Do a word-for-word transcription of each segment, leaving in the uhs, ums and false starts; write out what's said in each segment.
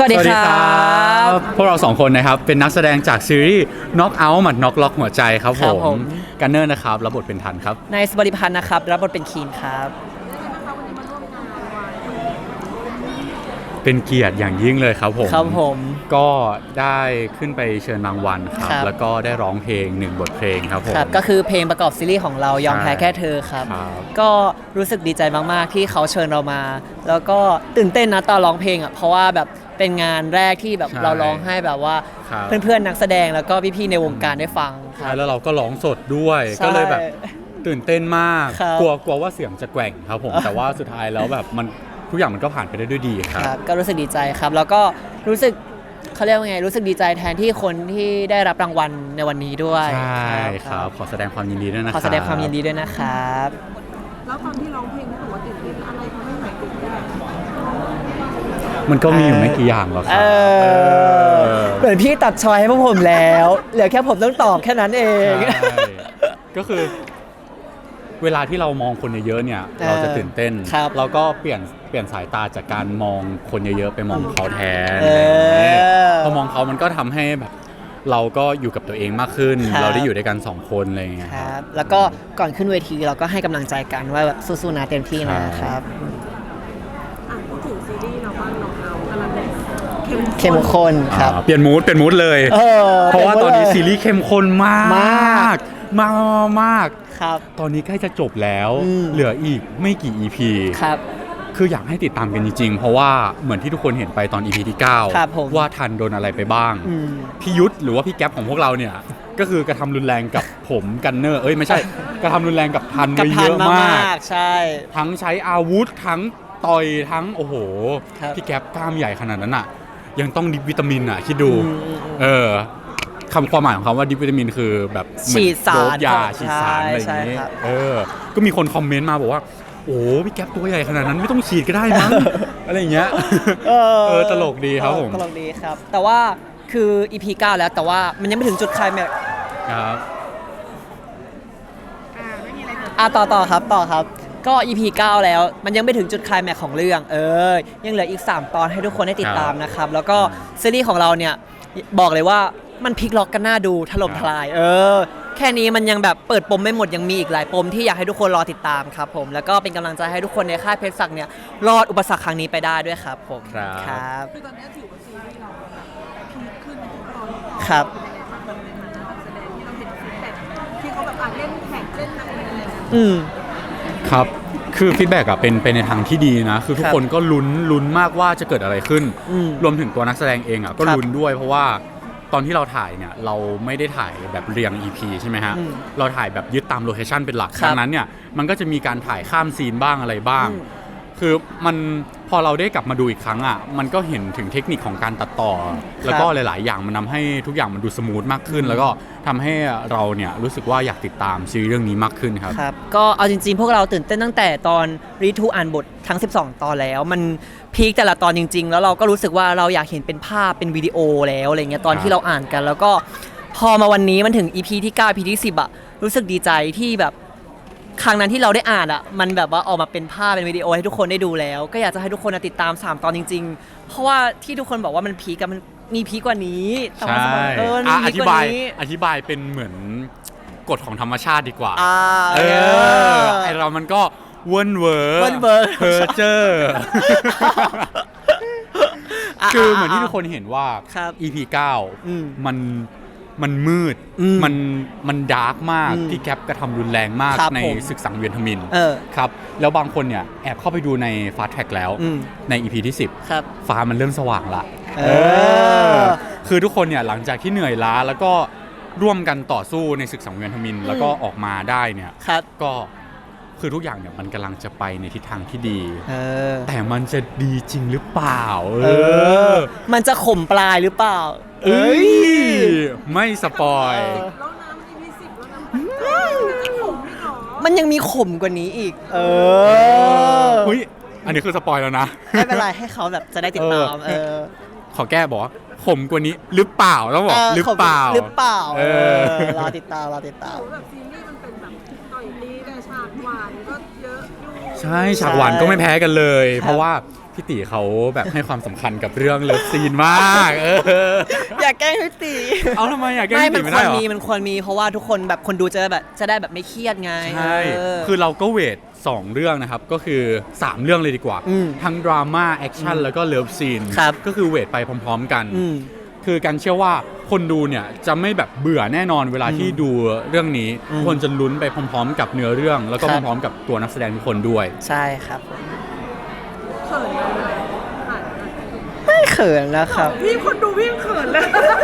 วัสดีครับพวกเราสองคนนะครับเป็นนักแสดงจากซีรีส์ Knock Out หมัด Knock ล็อกหัวใจครับผมกันเนอร์นะครับรับบทเป็นทันครับนายสบริพันธ์นะครับรับบทเป็นคีนครับเป็นเกียรติอย่างยิ่งเลยครับผมครับผมก็ได้ขึ้นไปเชิญรางวัลครับแล้วก็ได้ร้องเพลงหนึ่งบทเพลงครับผมก็คือเพลงประกอบซีรีส์ของเรายอมแพ้แค่เธอครับก็รู้สึกดีใจมากๆที่เขาเชิญเรามาแล้วก็ตื่นเต้นนะตอนร้องเพลงอ่ะเพราะว่าแบบเป็นงานแรกที่แบบเราร้องให้แบบว่าเพื่อนๆนักแสดงแล้วก็พี่ๆในวงการได้ฟังใช่แล้วเราก็ร้องสดด้วยก็เลยแบบตื่นเต้นมากกลัวกลัวว่าเสียงจะแกว่งครับผมแต่ว่าสุดท้ายแล้วแบบมันทุกอย่างมันก็ผ่านไปได้ด้วยดีครับก็รู้สึกดีใจครับแล้วก็รู้สึกเขาเรียกว่าไงรู้สึกดีใจแทนที่คนที่ได้รับรางวัลในวันนี้ด้วยใช่ครับขอแสดงความยินดีด้วยนะครับขอแสดงความยินดีด้วยนะครับแล้วตอนที่ร้องเพลงรู้ว่าตื่นเต้นอะไรทำให้หายตื่นเต้นมันก็มีอยู่ไม่กี่อย่างหรอกครับเหมือนพี่ตัดชอยให้พวกผมแล้วเหลือแค่ผมต้องตอบแค่นั้นเองก็คือเวลาที่เรามองคนเยอะๆเนี่ยเราจะตื่นเต้นเราก็เปลี่ยนเปลี่ยนสายตาจากการมองคนเยอะๆไปมองเขาแทนพอมองเขามันก็ทำให้แบบเราก็อยู่กับตัวเองมากขึ้นเราได้อยู่ด้วยกันสองคนอะไรอย่างเงี้ยครับแล้วก็ก่อนขึ้นเวทีเราก็ให้กำลังใจกันว่าแบบสู้ๆนะเต็มที่นะครับอ่ะพูดถึงซีรีส์เราบ้างเราเรากำลังเข้มข้นครับเปลี่ยนมูดเปลี่ยนมูดเลยเพราะว่าตอนนี้ซีรีส์เข้มข้นมากมากมากมากตอนนี้ใกล้จะจบแล้วเหลืออีกไม่กี่ อี พีครับคืออยากให้ติดตามกันจริงๆเพราะว่าเหมือนที่ทุกคนเห็นไปตอน อี พี ที่เก้าว่าทันโดนอะไรไปบ้างพี่ยุทธหรือว่าพี่แก๊ปของพวกเราเนี่ยก็คือกระทำรุนแรงกับผมกันเนอร์เอ้ยไม่ใช่กระทำรุนแรงกับทันไปเยอะมากใช่ทั้งใช้อาวุธทั้งต่อยทั้งโอ้โหพี่แก๊ปกล้ามใหญ่ขนาดนั้นอ่ะยังต้องดิบวิตามินอ่ะคิดดูเออคำความหมายของคำว่าดิบวิตามินคือแบบฉีดสารยาฉีดสารอะไรอย่างนี้เออก็มีคนคอมเมนต์มาบอกว่าโอ้พี่แก๊ปตัวใหญ่ขนาดนั้นไม่ต้องฉีดก็ได้มั้งอะไรอย่างเงี้ยเออตลกดีครับผมตลกดีครับแต่ว่าคือ อี พี เก้าแล้วแต่ว่ามันยังไม่ถึงจุดไคลแม็กซ์ครับอ่าไม่มีอะไรเกิดอ่ะต่อต่อครับต่อครับก็ อี พี เก้าแล้วมันยังไม่ถึงจุดไคลแม็กซ์ของเรื่องเออยังเหลืออีกสามตอนให้ทุกคนได้ติดตามนะครับแล้วก็ซีรีส์ของเราเนี่ยบอกเลยว่ามันพลิกล็อกกันน่าดูถล่มทลายเออแค่นี้มันยังแบบเปิดปมไม่หมดยังมีอีกหลายปมที่อยากให้ทุกคนรอติดตามครับผมแล้วก็เป็นกำลังใจให้ทุกคนในค่ายเพชรศักดิ์เนี่ยรอดอุปสรรคครั้งนี้ไปได้ด้วยครับผมครับคือตอนนี้ถือว่าซีรีส์เราพีคขึ้นทุกตอนครับที่เขาแบบอ่านเล่นแข่งเล่นอะไรอะไรอืมครับคือฟีดแบ็กอะเป็นเป็นในทางที่ดีนะคือทุกคนก็ลุ้นลุ้นมากว่าจะเกิดอะไรขึ้นรวมถึงตัวนักแสดงเองอะก็ลุ้นด้วยเพราะว่าตอนที่เราถ่ายเนี่ยเราไม่ได้ถ่ายแบบเรียง อี พี ใช่ไหมฮะเราถ่ายแบบยึดตามโลเคชั่นเป็นหลักดังนั้นเนี่ยมันก็จะมีการถ่ายข้ามซีนบ้างอะไรบ้างคือมันพอเราได้กลับมาดูอีกครั้งอ่ะมันก็เห็นถึงเทคนิคของการตัดต่อแล้วก็หลายๆอย่างมันทำให้ทุกอย่างมันดูสมูทมากขึ้นแล้วก็ทำให้เราเนี่ยรู้สึกว่าอยากติดตามซีรีส์เรื่องนี้มากขึ้นครับครับก็เอาจริงๆพวกเราตื่นเต้นตั้งแต่ตอนรีทูอ่านบททั้งสิบสองตอนแล้วมันพีคแต่ละตอนจริงๆแล้วเราก็รู้สึกว่าเราอยากเห็นเป็นภาพเป็นวิดีโอแล้วอะไรเงี้ยตอนที่เราอ่านกันแล้วก็พอมาวันนี้มันถึง อี พี ที่เก้า อี พี ที่สิบอ่ะรู้สึกดีใจที่แบบครั้งนั้นที่เราได้อ่านอ่ะมันแบบว่าออกมาเป็นภาพเป็นวิดีโอให้ทุกคนได้ดูแล้วก็อยากจะให้ทุกคนติดตามสามตอนจริงๆเพราะว่าที่ทุกคนบอกว่ามันพีคกันมันมีพีคกว่านี้ใช่อธิบายอธิบายเป็นเหมือนกฎของธรรมชาติดีกว่าเออไอเรามันก็เวิร์นเวอร์เพอร์เจอร์คือเหมือนที่ทุกคนเห็นว่า อี พี เก้ามันมันมืดมันมันดาร์กมากที่แก๊ปกระทำรุนแรงมากในศึกสังเวียนทมิฬครับแล้วบางคนเนี่ยแอบเข้าไปดูในฟาสต์แทร็กแล้วใน อี พี ที่สิบฟ้ามันเริ่มสว่างละคือทุกคนเนี่ยหลังจากที่เหนื่อยล้าแล้วก็ร่วมกันต่อสู้ในศึกสังเวียนทมิฬแล้วก็ออกมาได้เนี่ยก็คือทุกอย่างเนี่ยมันกำลังจะไปในทิศทางที่ดีแต่มันจะดีจริงหรือเปล่าเออมันจะข่มปลายหรือเปล่าเอ้ยไม่สปอยแล้วน้ำมันมีสิบแล้วน้ำมันยังมีข่มกว่านี้อีกเออเฮ้ยอันนี้คือสปอยแล้วนะไม่เป็นไรให้เขาแบบจะได้ติดตามเออขอแก้บอกว่าข่มกว่านี้หรือเปล่าต้องบอกหรือเปล่าหรือเปล่าเออรอติดตามรอติดตามแบบซีรีส์มันเป็นแบบต่อยตีแต่ฉากหวานก็เยอะอยู่ใช่ฉากหวานก็ไม่แพ้กันเลย เพราะว่าพี่ตีเขาแบบให้ความสำคัญกับเรื่องเลิฟซีนมากเอออยากแกล้งพี่ตีเอาทำไมอยากแกล้งไม่พี่มัตีนไม่ควได้รหรอมีมันควรมีเพราะว่าทุกคนแบบคนดูจะแบบจะได้แบบไม่เครียดไงใช่เออคือเราก็เวทสองเรื่องนะครับก็คือสามเรื่องเลยดีกว่าอืมทั้งดราม่าแอคชั่นแล้วก็เลิฟซีนครับก็คือเวทไปพร้อมๆกันอืมคือการเชื่อว่าคนดูเนี่ยจะไม่แบบเบื่อแน่นอนเวลาที่ดูเรื่องนี้อืมทุกคนจะลุ้นไปพร้อมๆ กับเนื้อเรื่อง แล้วก็ครับพร้อมๆกับตัวนักแสดงทุกคนด้วยใช่ครับผมเขินเลยผ่านไม่เขินนะครับพี่คนดูพี่ยังเขินเลย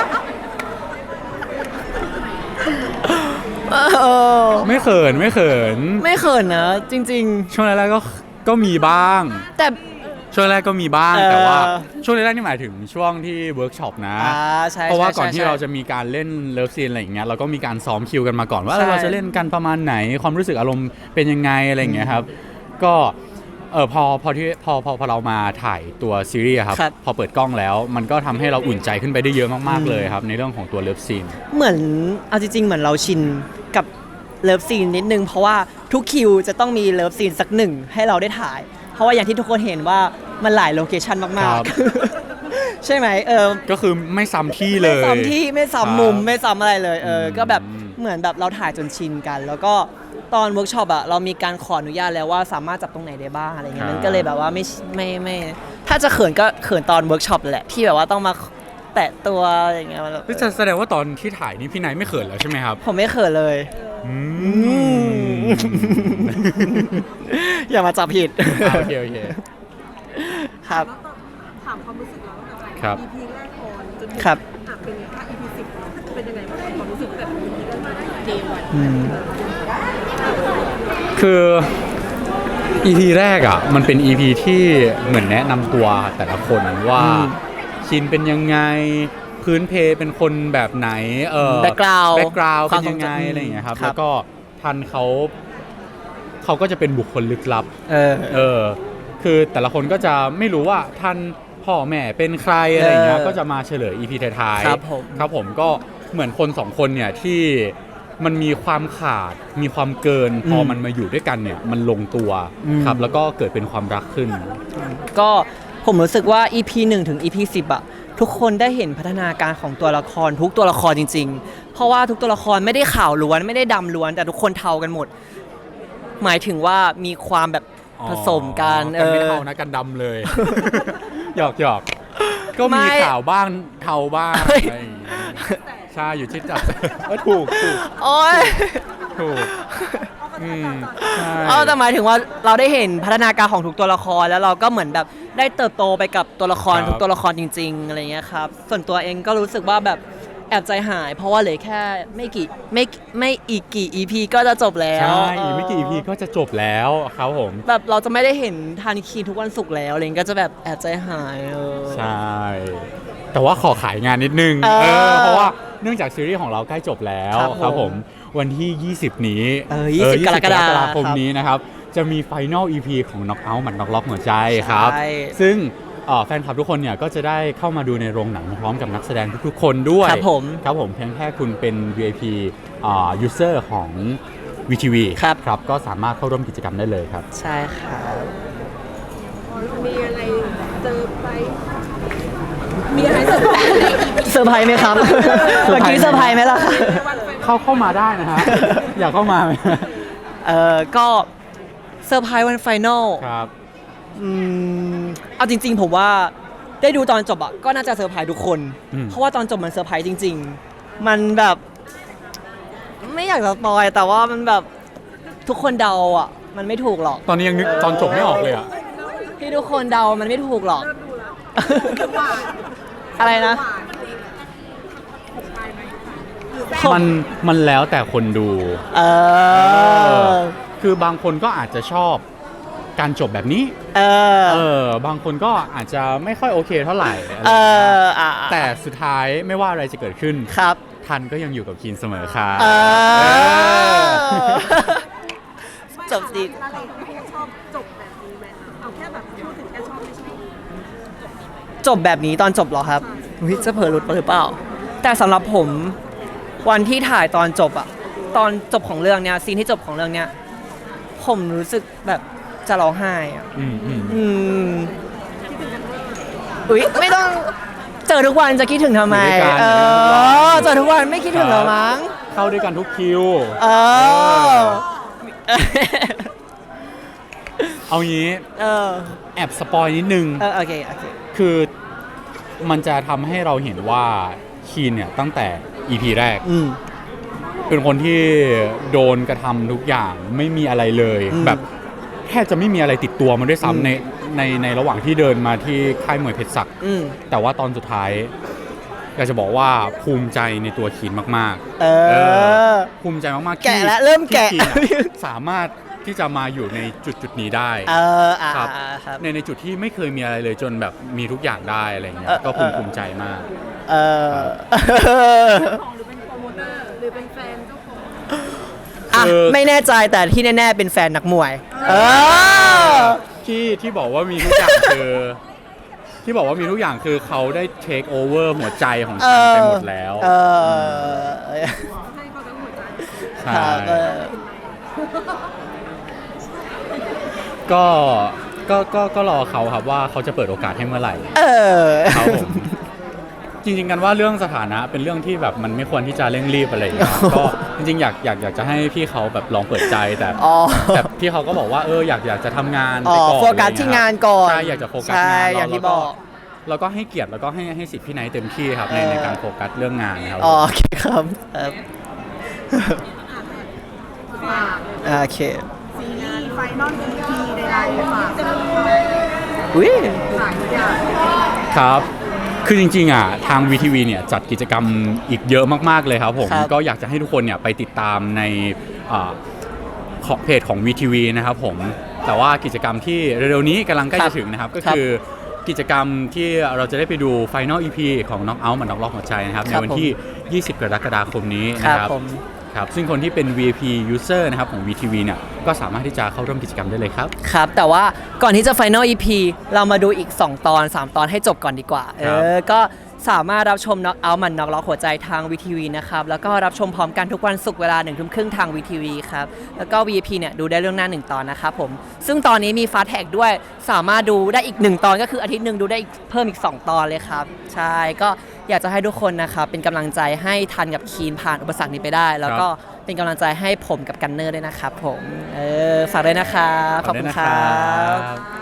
เออไม่เขินไม่เขินไม่เขินนะจริงช่วงแรกๆก็ก็มีบ้างๆ แต่ช่วงแรกก็มีบ้างเออแต่ว่าช่วงแรกๆนี่หมายถึงช่วงที่เวิร์กช็อปนะอ่าใช่เพราะว่าก่อนใช่ที่ใช่เราจะมีการเล่นเลิฟซีนอะไรอย่างเงี้ยเราก็มีการซ้อมคิวกันมาก่อนว่าใช่เราจะเล่นกันประมาณไหนความรู้สึกอารมณ์เป็นยังไงอะไรอย่างเงี้ยครับก็เออพอพอที่พอพอพอเรามาถ่ายตัวซีรีส์อะครับครับพอเปิดกล้องแล้ว มันก็ทำให้เราอุ่นใจขึ้นไปได้เยอะมากๆเลยครับในเรื่องของตัวเลิฟซีนเหมือนเอาจริงๆเหมือนเราชินกับเลิฟซีนนิดนึงเพราะว่าทุกคิวจะต้องมีเลิฟซีนสักหนึ่งให้เราได้ถ่าย เพราะว่าอย่างที่ทุกคนเห็นว่ามันหลายโลเคชันมากครับๆ ใช่ไหมเออก็คือไม่ซ้ำที่เลยไม่ซ้ำที่ไม่ซ้ำมุมครับไม่ซ้ำอะไรเลยเอออมก็แบบเหมือนแบบเราถ่ายจนชินกัน แล้วก็ตอนเวิร์กช็อปอะเรามีการขออนุญาตแล้วว่าสามารถจับตรงไหนได้บ้างอะไรเงี้ยมันก็เลยแบบว่าไม่ไม่ไม่ถ้าจะเขินก็เขินตอนเวิร์กช็อปแหละที่แบบว่าต้องมาแตะตัวอะไรเงี้ยมันแบบนี่จะแสดงว่าตอนที่ถ่ายนี่พี่ไนท์ไม่เขินแล้วใช่ไหมครับผมไม่เขินเลยอืมอย่ามาจับผิดอ่าโอเคโอเคครับแล้วก็ถามความรู้สึกเราตั้งแต่ครับอี พี แรกก่อนจนถึงครับอ่ะเป็นถ้า อี พี สิบเป็นยังไงบ้างความรู้สึกแบบ อี พี แรกเดวันอืมคือ อี พี แรกอ่ะมันเป็น อี พี ที่เหมือนแนะนำตัวแต่ละคนว่าอืมชินเป็นยังไงพื้นเพเป็นคนแบบไหนเออ background แบ็กกราวด์ควาเป็มนยังไงทรงจำอะไรอย่างเงี้ยครับครับแล้วก็ทันเขาเขาก็จะเป็นบุคคลลึกลับเออเออคือแต่ละคนก็จะไม่รู้ว่าท่านพ่อแม่เป็นใครอะไรอย่างเงี้ยเออก็จะมาเฉลย อี พี ท้ายๆครับผมครับผมก็เหมือนคนสองคนเนี่ยที่มันมีความขาดมีความเกินพออืมมันมาอยู่ด้วยกันเนี่ยมันลงตัวอืมครับแล้วก็เกิดเป็นความรักขึ้นก็ผมรู้สึกว่า อี พี หนึ่งถึง อี พี สิบอะทุกคนได้เห็นพัฒนาการของตัวละครทุกตัวละครจริง ๆ เพราะว่าทุกตัวละครไม่ได้ขาวล้วนไม่ได้ดำล้วน แต่ทุกคนเทากันหมด หมายถึงว่ามีความแบบผสมกันอ๋อกันไม่เออเท่านะกันดำเลย หยอกหยอกก็มีไม่ขาวบ้างเทาบ้างเฮ้ยอะไรอย่างเงี้ยใช่อยู่ที่จับ เออถูกถูกโอ้ยถูกอืมใช่เอาแต่หมายถึงว่าเราได้เห็นพัฒนาการของทุกตัวละครแล้วเราก็เหมือนแบบได้เติบโตไปกับตัวละครครับทุกตัวละครจริง ๆอะไรเงี้ยครับส่วนตัวเองก็รู้สึกว่าแบบแอบใจหาย เพราะว่าเหลือแค่ไม่กี่ไม่ไม่อีกกี่ อี พี ก็จะจบแล้วใช่เอีกไม่กี่ อี พี ก็จะจบแล้วครับผมแบบเราจะไม่ได้เห็นทานิคีนทุกวันศุกร์แล้วอะไรเงี้ยก็จะแบบแอบใจหายเออใช่ แต่ว่าขอขายงานนิดนึงเออเออเพราะว่าเนื่องจากซีรีส์ของเราใกล้จบแล้วครับผมครับผมวันที่ ยี่สิบ นี้เออยี่สิบเกรกฎาคมคมนี้นะครับ จะมีไฟนอล อี พี ของ Knock Out หมัด Knock Lock หัวใจครับใช่ซึ่งเอ่อแฟนคลับทุกคนเนี่ยก็จะได้เข้ามาดูในโรงหนังพร้อมกับนักแสดงทุกๆคนด้วยครับผมครับผมเพียงแค่คุณเป็น วี ไอ พี อ่า user ของ วี ที วีครับครับก็สามารถเข้าร่วมกิจกรรมได้เลยครับใช่ครับมีอะไรเจอไปมีอะไรเจอไปเซอร์ไพรส์ไหมครับ เมื่อกี้เซอร์ไพรส์ไหมล่ะคะเข้าเข้ามาได้นะฮะ อยากเข้ามาไหมเออก็เซอร์ไพรส์วันไฟนอลครับอืมเอาจริง ๆ ผมว่าได้ดูตอนจบอะก็น่าจะเซอร์ไพรส์ทุกคนอืมเพราะว่าตอนจบมันเซอร์ไพรส์จริง ๆ มันแบบ ไม่อยากจะสปอยแต่ว่ามันแบบทุกคนเดาอะมันไม่ถูกหรอกตอนนี้ยังนึกตอนจบไม่ออกเลยอ่ะที่ทุกคนเดามันไม่ถูกหรอกเริ่มดูแล้วหวานอะไรนะหวานผมไปไหมหรือแซ่บมันมันแล้วแต่คนดูเออคือบางคนก็อาจจะชอบการจบแบบนี้เออเออบางคนก็อาจจะไม่ค่อยโอเคเท่าไหร่อะไรเออย่างเงี้ยออ่ะแต่สุดท้ายไม่ว่าอะไรจะเกิดขึ้นครับทันก็ยังอยู่กับคีนเสมอค่ะเออเออจบสิอะไรที่ชอบจบแบบนี้ไหมเอาแค่แบบพูดถึงแค่ชอบไม่ชอบจบแบบนี้ตอนจบเหรอครับอุ๊ยจะเผลอหลุดไปหรือเปล่า แต่สำหรับผมวันที่ถ่ายตอนจบอะตอนจบของเรื่องเนี้ยซีนที่จบของเรื่องเนี้ยผมรู้สึกแบบจะร้องไห้อ่ะอืมอืมอืมอุ๊ยไม่ต้องเจอทุกวันจะคิดถึงทำไมอยู่ด้วยกันเออเจอทุกวันไม่คิดถึงเหรอมั้งเข้าด้วยกันทุกคิวเออเอางี้เออแอบสปอยนิดนึงเออโอเคโอเคคือมันจะทำให้เราเห็นว่าคีนเนี่ยตั้งแต่ อี พี แรกอืมเป็นคนที่โดนกระทำทุกอย่างไม่มีอะไรเลยอืมแบบแทบจะไม่มีอะไรติดตัวมันด้วยอืมซ้ำในในในระหว่างที่เดินมาที่ค่ายมวยเพชรศักดิ์อืมแต่ว่าตอนสุดท้ายอยากจะบอกว่าภูมิใจในตัวคีนมากๆเออภูมิใจมากๆที่แกะแล้วเริ่มแกะที่คีนอะสามารถที่จะมาอยู่ในจุดจุดๆนี้ได้เอออ่าครับอ่าครับในในจุดที่ไม่เคยมีอะไรเลยจนแบบมีทุกอย่างได้อะไรเงี้ยเออก็ภูมิเออภูมิใจมากเออของหรือเป็นโปรโมเตอร์หรือเป็นแฟนเจ้าของอ่ะคือไม่แน่ใจแต่ที่แน่ๆเป็นแฟนนักมวย เออที่ที่บอกว่ามีทุกอย่างคือ ที่บอกว่ามีทุกอย่างคือเขาได้เทคโอเวอร์หัวใจของฉันไปหมดแล้วเออให้เขาทั้งหัวใจใช่ครับเออก็ก็ก็ก็รอเขาครับว่าเขาจะเปิดโอกาสให้เมื่อไหร่เออครับผมจริงๆกันว่าเรื่องสถานะเป็นเรื่องที่แบบมันไม่ควรที่จะเร่งรีบอะไรอย่างเงี้ยก็จริงๆอยากอยากอยากจะให้พี่เขาแบบลองเปิดใจแต่อ๋อแต่พี่เขาก็บอกว่าเอออยากอยากจะทำงานอ๋ไปอก่อนโฟกัสที่งานก่อนใช่อยากจะโฟกัสใช่งานอย่างที่แล้วบอกแล้วก็ให้เกียรติแล้วก็ให้ให้สิทธิ์พี่ไนท์เต็มที่ครับในเออในการโฟกัสเรื่องงานนะครับอ๋อโอเคครับครับฝากโอเคซีรีส์ไฟนอล อี พี ใดๆฝากจะมีอุ้ยฝากทุกอย่างครับ คือจริงๆอ่ะทาง วี ที วี เนี่ยจัดกิจกรรมอีกเยอะมากๆเลยครับผมครับก็อยากจะให้ทุกคนเนี่ยไปติดตามในอ่าของเพจของ วี ที วี นะครับผมแต่ว่ากิจกรรมที่เร็วๆนี้กำลังใกล้จะถึงนะครับก็คือกิจกรรมที่เราจะได้ไปดู Final อี พี ของ Knock Out มันน็อกล็อกหัวใจนะครับในวันที่ ยี่สิบ กรกฎาคมนี้คนะรับครับผมครับซึ่งคนที่เป็น วี ไอ พี user นะครับของ วี ที วี เนี่ยก็สามารถที่จะเข้าร่วมกิจกรรมได้เลยครับครับ แต่ว่าก่อนที่จะ Final อี พี เรามาดูอีก สอง ตอน สาม ตอนให้จบก่อนดีกว่า เอครับอ ก็สามารถรับชม Knock Out มันน็อกล็อกหัวใจทาง วี ที วี นะครับ แล้วก็รับชมพร้อมกันทุกวันศุกร์เวลาหนึ่งทุ่มครึ่งทาง วี ที วี ครับ แล้วก็ วี ไอ พี เนี่ยดูได้เรื่องหน้าหนึ่งตอนนะครับผม ซึ่งตอนนี้มี Fast Tag ด้วย สามารถดูได้อีกหนึ่งตอนก็คืออาทิตย์หนึ่งดูได้อีกเพิ่มอีก สอง ตอนเลยครับ ใช่ ก็อยากจะให้ทุกคนนะครับเป็นกำลังใจให้ทันกับคีนผ่านอุปสรรคนี้ไปได้ แล้วก็เป็นกำลังใจให้ผมกับกันเนอร์ด้วยนะครับผม เออ ฝากด้วยนะครับ ขอบคุณครับขอบคุณนะครับ